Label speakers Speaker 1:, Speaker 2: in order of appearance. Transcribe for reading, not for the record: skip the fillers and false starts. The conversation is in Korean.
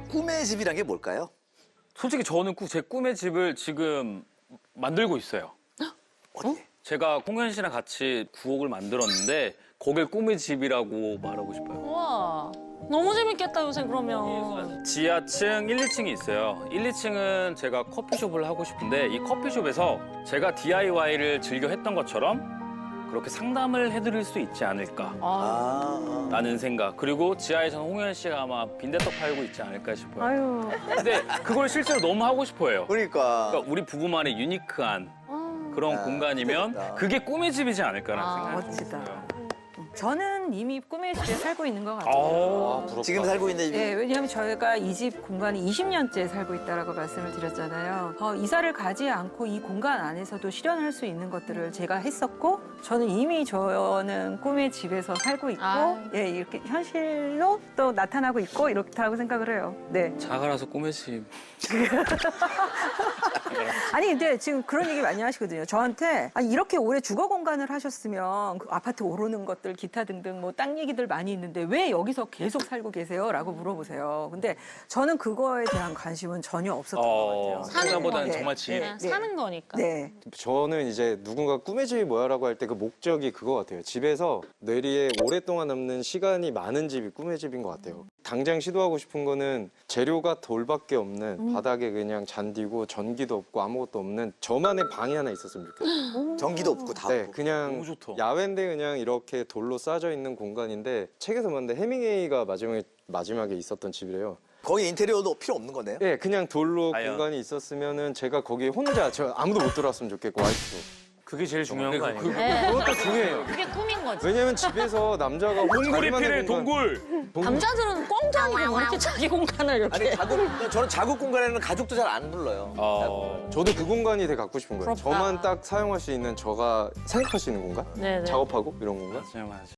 Speaker 1: 꿈의 집이란 게 뭘까요?
Speaker 2: 솔직히 저는 제 꿈의 집을 지금 만들고 있어요.
Speaker 1: 어디?
Speaker 2: 제가 홍현 씨랑 같이 구옥을 만들었는데 거길 꿈의 집이라고 말하고 싶어요.
Speaker 3: 우와. 너무 재밌겠다, 요새 그러면.
Speaker 2: 지하층 1, 2층이 있어요. 1, 2층은 제가 커피숍을 하고 싶은데 이 커피숍에서 제가 DIY를 즐겨 했던 것처럼 그렇게 상담을 해드릴 수 있지 않을까 라는 생각. 그리고 지하에서는 홍현 씨가 아마 빈대떡 팔고 있지 않을까 싶어요.
Speaker 3: 아유.
Speaker 2: 근데 그걸 실제로 너무 하고 싶어요.
Speaker 1: 그러니까.
Speaker 2: 그러니까 우리 부부만의 유니크한 그런 공간이면
Speaker 1: 좋겠다.
Speaker 2: 그게 꿈의 집이지 않을까라는 생각이
Speaker 4: 멋지다.
Speaker 2: 들어요.
Speaker 4: 저는 이미 꿈의 집에 살고 있는 것 같아요.
Speaker 1: 지금 살고 있는 집이
Speaker 4: 네, 왜냐하면 저희가 이 집 공간이 20년째 살고 있다라고 말씀을 드렸잖아요. 이사를 가지 않고 이 공간 안에서도 실현할 수 있는 것들을 제가 했었고, 저는 이미 저는 꿈의 집에서 살고 있고, 예, 이렇게 현실로 또 나타나고 있고 이렇다고 생각을 해요. 네.
Speaker 2: 자가라서 꿈의 집.
Speaker 4: 아니 근데 지금 그런 얘기 많이 하시거든요. 저한테 아니, 이렇게 오래 주거 공간을 하셨으면 그 아파트 오르는 것들 기타 등등 뭐 땅 얘기들 많이 있는데 왜 여기서 계속 살고 계세요?라고 물어보세요. 근데 저는 그거에 대한 관심은 전혀 없었던 것 같아요.
Speaker 2: 생각보다는
Speaker 4: 네,
Speaker 2: 정말 집.
Speaker 3: 그냥 사는 거니까.
Speaker 4: 네.
Speaker 5: 저는 이제 누군가 꿈의 집이 뭐야라고 할 때 그 목적이 그거 같아요. 집에서 뇌리에 오랫동안 남는 시간이 많은 집이 꿈의 집인 것 같아요. 당장 시도하고 싶은 거는 재료가 돌밖에 없는 바닥에 그냥 잔디고 전기도 없고 아무것도 없는 저만의 방이 하나 있었으면 좋겠어요.
Speaker 1: 전기도 없고 다
Speaker 5: 네,
Speaker 1: 없고.
Speaker 5: 그냥
Speaker 2: 너무 좋다.
Speaker 5: 야외인데 그냥 이렇게 돌로 쌓여져 있는 공간인데 책에서 봤는데 해밍웨이가 마지막에 있었던 집이래요.
Speaker 1: 거기 인테리어도 필요 없는 거네요?
Speaker 5: 예, 그냥 돌로
Speaker 2: 아유.
Speaker 5: 공간이 있었으면은 제가 거기 혼자 저 아무도 못 들어왔으면 좋겠고 와이프도.
Speaker 2: 그게 제일 중요한 거 아니에요?
Speaker 5: 그것도 중요해요.
Speaker 3: 그게 꿈인 거지.
Speaker 5: 왜냐면 집에서 남자가
Speaker 2: 동굴이
Speaker 5: 자기만의
Speaker 2: 필요해,
Speaker 5: 공간-
Speaker 2: 동굴.
Speaker 3: 남자들은 꽁도 아니고 왜 이렇게 자기 공간을 이렇게.
Speaker 1: 아니 저는 자국 공간에는 가족도 잘 안 불러요.
Speaker 5: 저도 그 공간이 되게 갖고 싶은 거예요.
Speaker 3: 부럽다.
Speaker 5: 저만 딱 사용할 수 있는 저가 생각할 수 있는 공간?
Speaker 3: 네네.
Speaker 5: 작업하고 이런 공간?
Speaker 2: 맞아요, 맞아요.